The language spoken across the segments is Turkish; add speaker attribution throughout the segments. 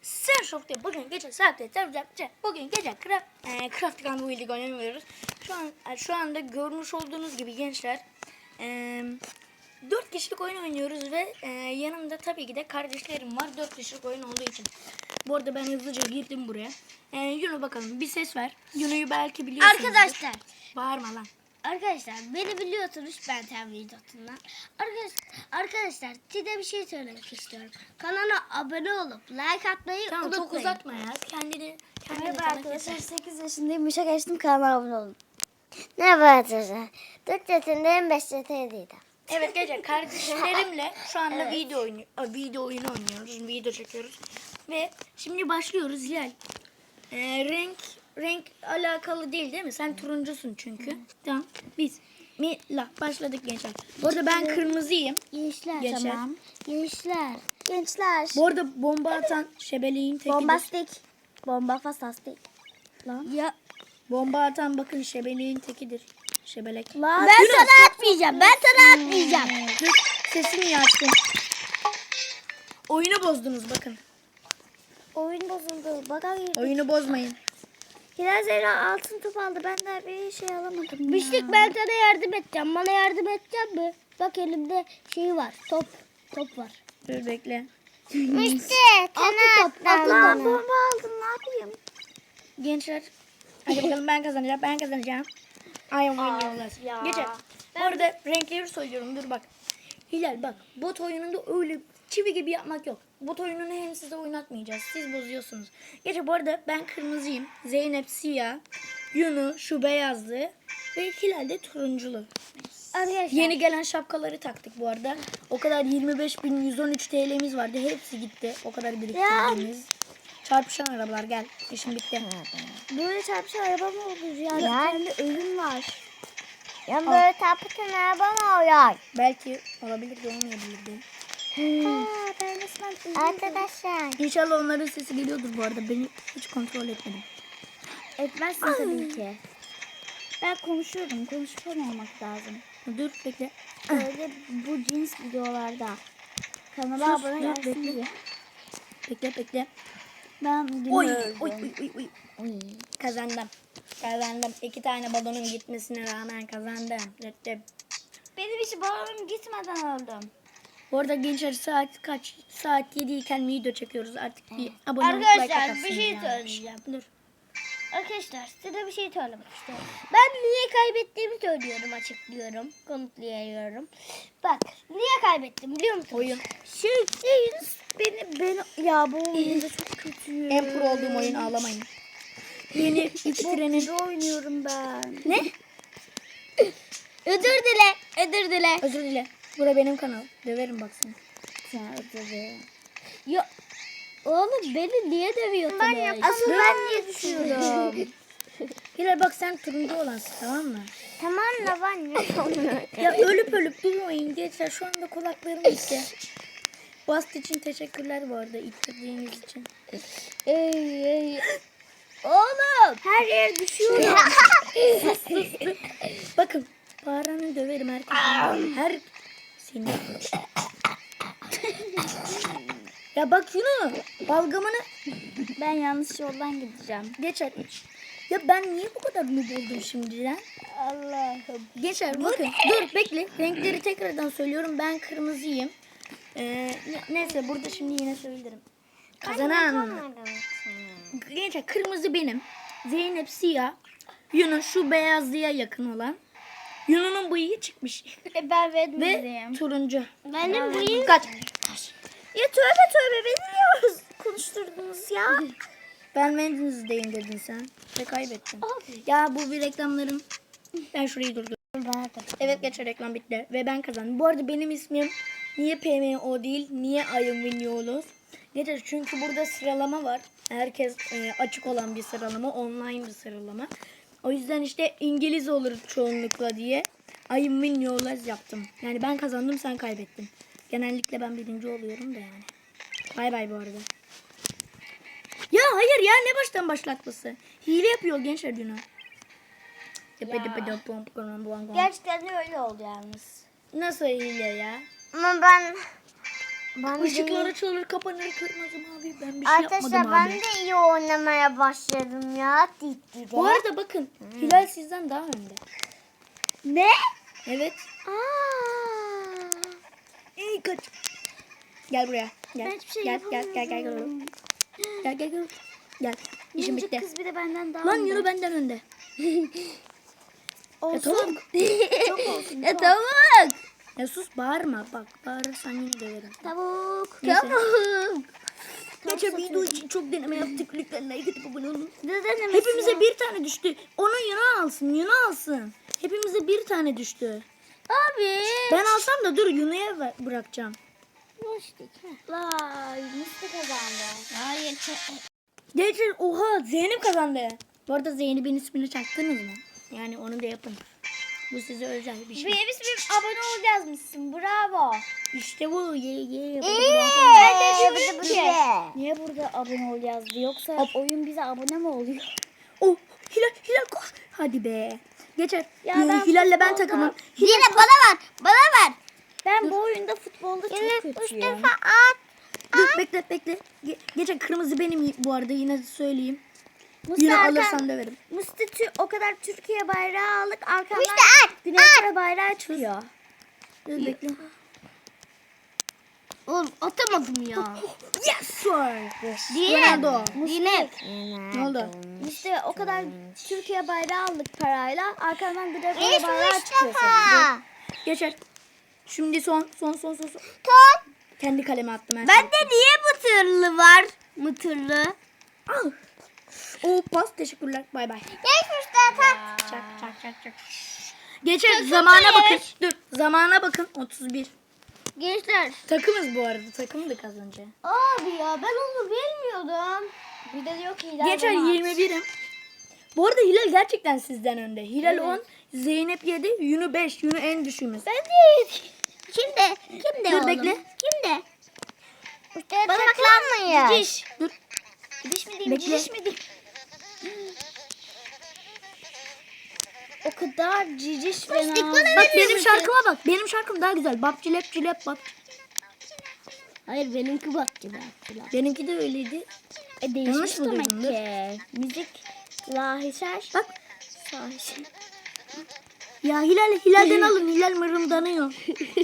Speaker 1: Sen Soft'ta bugün gece saatte bugün gece Craft Gun Building oynamıyoruz. Şu anda görmüş olduğunuz gibi gençler 4 kişilik oyun oynuyoruz ve yanımda tabii ki de kardeşlerim var 4 kişilik oyun olduğu için. Bu arada ben hızlıca girdim buraya. Yuno bakalım bir ses ver. Yuno'yu belki biliyorsunuz.
Speaker 2: Arkadaşlar.
Speaker 1: Bağırma lan.
Speaker 2: Arkadaşlar beni biliyorsunuz ben Temvidat'ından. Arkadaşlar size bir şey söylemek istiyorum. Kanala abone olup like atmayı
Speaker 1: Tamam
Speaker 2: unutmayın.
Speaker 1: çok uzatma ya. Kendini
Speaker 3: Merhaba
Speaker 1: sana
Speaker 3: arkadaşlar,
Speaker 1: keser.
Speaker 3: 8 yaşındayım. Yaşa geçtim, kanalıma abone olun. Merhaba arkadaşlar. 4 yaşındayım, 5 yaşındaydım.
Speaker 1: Evet gece kardeşlerimle şu anda video oyunu oynuyoruz. Video çekiyoruz. Ve şimdi başlıyoruz Hilal. Renk alakalı değil mi? Sen turuncusun çünkü. Tamam. Başladık gençler. Bu arada ben kırmızıyım.
Speaker 3: Gençler,
Speaker 1: Gençler.
Speaker 3: tamam. Gençler.
Speaker 1: Bu arada bomba atan şebeleğin tekidir.
Speaker 3: Bombastik. Bomba fastastik. Lan.
Speaker 2: Ya
Speaker 1: Bomba atan bakın şebeleğin tekidir. Şebelek.
Speaker 3: Lan.
Speaker 2: ben sana atmayacağım. Ben sana atmayacağım.
Speaker 1: Dur, sesini niye açtın? Oyunu bozdunuz bakın.
Speaker 3: Oyun bozuldu. Baga girdik.
Speaker 1: Oyunu bozmayın.
Speaker 3: Hilal Zehra altın top aldı. Ben de bir şey alamadım ya.
Speaker 2: Bişlik ben sana yardım edeceğim. Bana yardım edecek mi? Bak elimde şey var. Top var.
Speaker 1: Dur bekle.
Speaker 3: İşte.
Speaker 2: Altın top.
Speaker 3: Lan bomba aldım. Ne yapayım?
Speaker 1: Gençler hadi bakalım ben kazanacağım. Ay oynuyorlar.
Speaker 3: ya.
Speaker 1: Geçer. Bu arada renkleri söylüyorum dur bak. Hilal bak bot oyununda öyle çivi gibi yapmak yok. Bot oyununu hem size oynatmayacağız. Siz bozuyorsunuz. Geçer bu arada ben kırmızıyım. Zeynep siyah. Yunu şu beyazlı. Ve Hilal de turunculu.
Speaker 2: Arkadaşlar.
Speaker 1: Yeni gelen şapkaları taktık bu arada. O kadar 25.113 TL'miz vardı. Hepsi gitti. O kadar biriktirdiğimiz. Çarpışan arabalar gel. İşim bitti.
Speaker 3: Böyle çarpışan araba mı olur ya? Kendi ölüm var. Ya
Speaker 1: böyle
Speaker 3: çarpışan araba mı oluyor?
Speaker 1: Belki olabilir de olmayabilir de.
Speaker 3: Ben resmen arkadaşlar.
Speaker 1: İnşallah onların sesi geliyordur bu arada. Beni hiç kontrol etmedim.
Speaker 3: Etmezsin tabii ki. Ben konuşuyorum. Konuşkan olmak lazım.
Speaker 1: Dur bekle.
Speaker 3: Böyle bu cins videolarda. Kanala
Speaker 1: Sus,
Speaker 3: abone
Speaker 1: dur,
Speaker 3: gelsin
Speaker 1: bekle.
Speaker 3: diye.
Speaker 1: Bekle.
Speaker 3: Ben bugün
Speaker 1: Oy,
Speaker 3: öldüm.
Speaker 1: oy. Kazandım. 2 tane balonun gitmesine rağmen kazandım.
Speaker 3: Benim hiç balonum gitmeden öldüm.
Speaker 1: Bu arada gençler saat kaç? Saat 7 iken video çekiyoruz. Artık bir abone olup like
Speaker 2: Arkadaşlar
Speaker 1: atarsınız
Speaker 2: bir şey
Speaker 1: yani.
Speaker 2: söyleyeceğim.
Speaker 1: Dur.
Speaker 2: Arkadaşlar size bir şey söylemek istiyorum. Ben niye kaybettiğimi söylüyorum, açıklıyorum, kanıtlıyorum. Bak niye kaybettim biliyor musun?
Speaker 1: Oyun.
Speaker 3: Beni ya bu oyunda çok kötüyüm.
Speaker 1: En pro olduğum oyun ağlamayın. Yeni ittirenin.
Speaker 3: Kötü oynuyorum ben.
Speaker 1: Ne?
Speaker 2: Özür dile.
Speaker 1: Özür dile. Bura benim kanal. Döverim bak seni.
Speaker 3: Sen ödedi.
Speaker 2: Ya oğlum beni niye dövüyorsun?
Speaker 3: Asıl ben niye düşüyorum?
Speaker 1: Hilal bak sen turuncu olansın tamam mı?
Speaker 3: Tamam da ben niye
Speaker 1: Ya ölüp durmayın gençler. Şu anda kulaklarım gitti. Bast için teşekkürler bu arada ittirdiğiniz için.
Speaker 2: Ey. Oğlum.
Speaker 3: Her yere düşüyorum.
Speaker 1: Bakın bağıranı döverim herkes. Her seni. Ya bak Yuno balgamını
Speaker 3: Ben yanlış yoldan gideceğim.
Speaker 1: geçer. Ya ben niye bu kadar noob oldum şimdiden?
Speaker 2: Allah'ım.
Speaker 1: Geçer bakın. Dur bekle. Renkleri tekrardan söylüyorum. Ben kırmızıyım. Neyse burada şimdi yine söylerim. Kazanan. Gençler kırmızı benim. Zeynep siyah. Yuno şu beyazlıya yakın olan. Yuno'nun bıyığı çıkmış.
Speaker 2: Ben
Speaker 1: Ve
Speaker 2: vermeyeyim.
Speaker 1: turuncu.
Speaker 2: Benim bıyığım.
Speaker 1: Kaç.
Speaker 3: Ya tövbe beni niye konuşturdunuz ya?
Speaker 1: Ben Wednesday'im dedin sen. Ve kaybettin. Ya bu bir reklamların. Ben şurayı durdurdum. Evet geçer reklam bitti. Ve ben kazandım. Bu arada benim ismim niye PMO değil? Niye I am Winyolos? Geçer çünkü burada sıralama var. Herkes açık olan bir sıralama. Online bir sıralama. O yüzden işte İngiliz olur çoğunlukla diye I am Winyolos yaptım. Yani ben kazandım sen kaybettin. Genellikle ben birinci oluyorum da yani. Bay bay bu arada. Ya hayır ya ne baştan başlatması. Hile yapıyor gençler Dino.
Speaker 2: Gerçekten de öyle oldu yalnız.
Speaker 1: Nasıl hile ya?
Speaker 3: Ama ben Ben
Speaker 1: Işıklar
Speaker 3: de,
Speaker 1: açılır kapanır kırmızı mavi. Ben bir şey
Speaker 3: arkadaşlar
Speaker 1: yapmadım
Speaker 3: ben
Speaker 1: abi.
Speaker 3: de iyi oynamaya başladım ya. Titti de.
Speaker 1: Bu arada bakın Hilal sizden daha önde.
Speaker 3: Ne?
Speaker 1: Evet.
Speaker 3: Aa.
Speaker 1: İyi kaç. Gel buraya. Gel.
Speaker 3: Ben hiçbir şey
Speaker 1: gel, gel, gel, gel, gel. Gel, gel, gel. Gel. İşim
Speaker 3: Minicik
Speaker 1: bitti.
Speaker 3: kız bir de benden daha
Speaker 1: Lan
Speaker 3: önde.
Speaker 1: yürü benden önde. Ya
Speaker 3: Olsun.
Speaker 1: tavuk.
Speaker 3: Çok olsun.
Speaker 2: Ya tavuk.
Speaker 1: Ya sus bağırma. Bak bağırırsan yine döverim.
Speaker 3: Tavuk.
Speaker 1: Neyse.
Speaker 2: Tavuk.
Speaker 1: Geçen video için çok deneme yaptık. Lütfen like atıp abone olun.
Speaker 3: Ne denemesi
Speaker 1: Hepimize
Speaker 3: ya?
Speaker 1: bir tane düştü. Onu Yuna alsın. Yuna alsın. Hepimize bir tane düştü.
Speaker 2: Abi.
Speaker 1: Ben alsam da dur Yuna'ya bırakacağım.
Speaker 3: Vay, Musti kazandı.
Speaker 2: Hayır.
Speaker 1: Geçen oha Zeynep kazandı. Bu arada Zeynep'in ismini çaktınız mı? Yani onu da yapın. Bu size özel bir şey.
Speaker 3: Biz bir abone ol yazmışsın. Bravo.
Speaker 1: İşte bu. Ye.
Speaker 3: Ben de dedim ki.
Speaker 2: Niye burada abone ol yazdı? Yoksa oyun bize abone mi oluyor?
Speaker 1: Oh Hilal koş. Hadi be. Geçer.
Speaker 2: Ya ben
Speaker 1: Hilal'le ben
Speaker 2: futbolda-
Speaker 1: takımım.
Speaker 3: Yine bana ver. Bana ver.
Speaker 2: Ben bu oyunda futbolda çok kötüyüm.
Speaker 3: at.
Speaker 1: Dur bekle. Geçen kırmızı benim bu arada yine söyleyeyim.
Speaker 2: Musti
Speaker 1: Yine
Speaker 2: Erkan-
Speaker 1: alırsan döverim.
Speaker 2: Musti o kadar Türkiye bayrağı aldık. Arkamdan
Speaker 3: Musti at.
Speaker 2: Güney Kore bayrağı çıkıyor.
Speaker 1: Dur bekle.
Speaker 2: Oğlum atamadım ya.
Speaker 1: Yes sir.
Speaker 2: Diye.
Speaker 1: Ronaldo.
Speaker 2: Yine.
Speaker 1: Ne oldu?
Speaker 2: İşte o kadar Türkiye bayrağı aldık parayla. Arkamdan Güney Kore bayrağı çıkıyor senin.
Speaker 3: Mustafa.
Speaker 1: Geçer. Şimdi son.
Speaker 3: Tut.
Speaker 1: Kendi kaleme attım ben.
Speaker 2: Bende niye mıtırlı var? Mıtırlı.
Speaker 1: Al. O pas teşekkürler. Bay bay.
Speaker 3: Geç Mustafa.
Speaker 1: Çak. Geçer zamana bakın. Dur zamana bakın. 31.
Speaker 2: Gençler.
Speaker 1: Takımız bu arada. Takımdık az önce.
Speaker 2: Abi ya ben onu bilmiyordum. Bir de diyor ki Hilal
Speaker 1: Geçer
Speaker 2: bana at.
Speaker 1: 21'im. Bu arada Hilal gerçekten sizden önde. Hilal 10, Zeynep 7, Yunu 5. Yunu en düşüğümüz.
Speaker 2: Ben de. Kimde? Kimde
Speaker 1: Dur,
Speaker 2: oğlum?
Speaker 1: bekle.
Speaker 2: Kimde?
Speaker 3: Bana saklanmayın.
Speaker 2: Cici.
Speaker 1: Dur.
Speaker 2: Cici mi diyeyim?
Speaker 1: Bekle.
Speaker 2: Cici mi diyeyim? O kadar ciciş ve nazik.
Speaker 1: Bak benim şarkıma bak. Benim şarkım daha güzel. Bap cilep bak.
Speaker 2: Hayır benimki bak gibi.
Speaker 1: Benimki de öyleydi.
Speaker 2: Değişmiş
Speaker 1: Yanlış mı
Speaker 2: demek
Speaker 1: duydum?
Speaker 2: ki. Müzik lahişer.
Speaker 1: Bak.
Speaker 2: Lahişer.
Speaker 1: Ya Hilal'den alın. Hilal mırıldanıyor.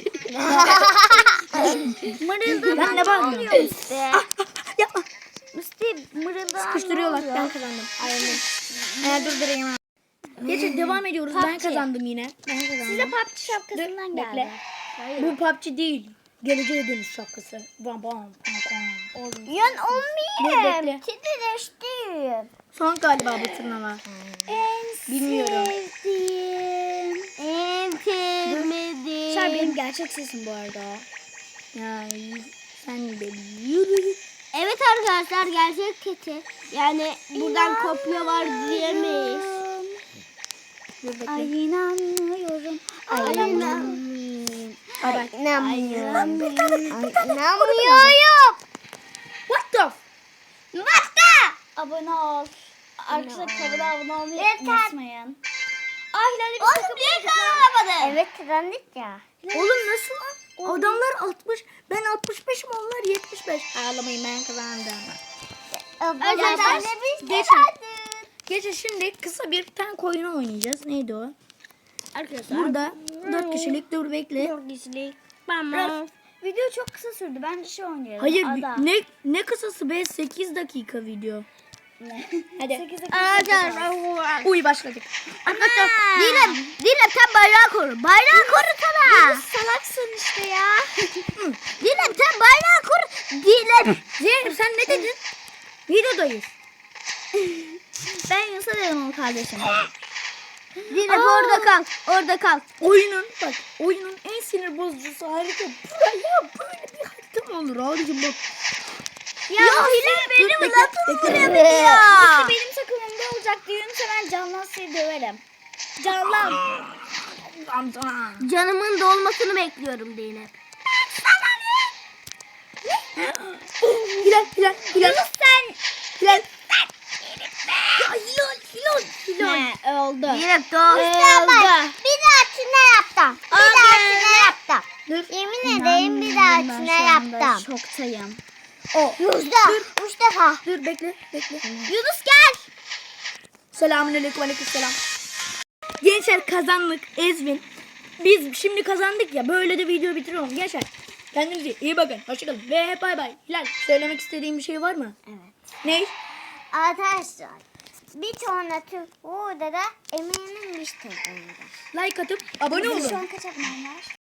Speaker 1: Ben de bağırıyorum. Yapma.
Speaker 2: Musti mırıldan
Speaker 1: Sıkıştırıyorlar. Ben kazandım. Aynen. Durdurayım. Geçin devam ediyoruz. Ben
Speaker 2: PUBG.
Speaker 1: kazandım yine. Ben
Speaker 2: Size
Speaker 1: kazandım.
Speaker 2: PUBG şapkasından
Speaker 1: Dur,
Speaker 2: geldi.
Speaker 1: bekle.
Speaker 2: Hayır.
Speaker 1: Bu PUBG değil. Geleceğe dönüş şapkası. Bam bam.
Speaker 3: Yan
Speaker 1: Dur,
Speaker 3: olmayayım.
Speaker 1: bekle.
Speaker 3: Titreştim.
Speaker 1: Son galiba bu turnuva.
Speaker 2: En
Speaker 1: Bilmiyorum.
Speaker 2: sevdiğim, en sevmediğim. Sen benim gerçek sesim bu arada.
Speaker 1: Ya sen de yürü.
Speaker 2: Evet arkadaşlar gerçek keçi. Yani buradan kopya var diyemeyiz.
Speaker 1: Dur bekle.
Speaker 2: Ay inanmıyorum. Ay inanmıyorum.
Speaker 1: Bye bye.
Speaker 3: İnanmıyorum.
Speaker 1: What the
Speaker 2: Abone ol. Arkadaşlar kanala abone olmayı
Speaker 3: Yeter.
Speaker 2: unutmayın. Ay Hilal'e bir takım
Speaker 3: Evet kazandık ya.
Speaker 1: Oğlum nasıl lan? Adamlar 60. Ben 65'im onlar 75. Ağlamayın ben kazandım.
Speaker 3: Arkadaşlar biz
Speaker 1: Geçin.
Speaker 3: kazandık.
Speaker 1: Geçin şimdi kısa bir tank oyunu oynayacağız. Neydi o?
Speaker 2: Arkadaşlar.
Speaker 1: Burada 4 kişilik dur bekle.
Speaker 2: Tamam. Video çok kısa sürdü. Bence şey oynayalım.
Speaker 1: Hayır
Speaker 2: Ada.
Speaker 1: ne kısası be 8 dakika video. Hadi.
Speaker 2: 8 dakika.
Speaker 1: Uy başladık.
Speaker 2: Arkadaşlar Dilem sen bayrağı koru. Bayrağı korusana. Salaksın işte ya. Dilem sen bayrağı koru. Dilem.
Speaker 1: Zeynep sen ne dedin? Videodayız.
Speaker 2: Ben Yunus'a dedim onu kardeşim. Dilem orada kal. Orada kal.
Speaker 1: Oyunun en sinir bozucusu harita. Ya böyle bir harita mı olur abicim bak.
Speaker 2: Ya Hilal benim
Speaker 1: Dur, bekle,
Speaker 2: lafımı
Speaker 1: bekle.
Speaker 2: vuruyor ya. Benim takımımda olacaktı. Yunus'a ben canlansayı döverim. Canlan. Canımın dolmasını bekliyorum Dilem.
Speaker 1: Hilal.
Speaker 2: Yunus sen.
Speaker 1: Hilal. Ya Hilal.
Speaker 2: Ne oldu?
Speaker 3: Dilem
Speaker 2: Oldu.
Speaker 3: Bir dahakine yaptım. Bir dahakine yaptım.
Speaker 1: Dur.
Speaker 3: Yemin ederim bir hayatına yaptım.
Speaker 2: Şoktayım.
Speaker 1: O.
Speaker 3: Üç defa.
Speaker 1: Dur bekle.
Speaker 2: Yunus gel.
Speaker 1: Selamünaleyküm, aleykümselam. Gençler kazandık. Ezvin. Biz şimdi kazandık ya. Böyle de video bitiriyorum. Gençler kendinize iyi bakın. Hoşçakalın. Ve bay bay. Hilal, söylemek istediğin bir şey var mı?
Speaker 3: Evet.
Speaker 1: Ne?
Speaker 3: Arkadaşlar bir sonraki videoda eminim bir tek
Speaker 1: Like atıp abone olun.
Speaker 3: Şu an kaç abonem var?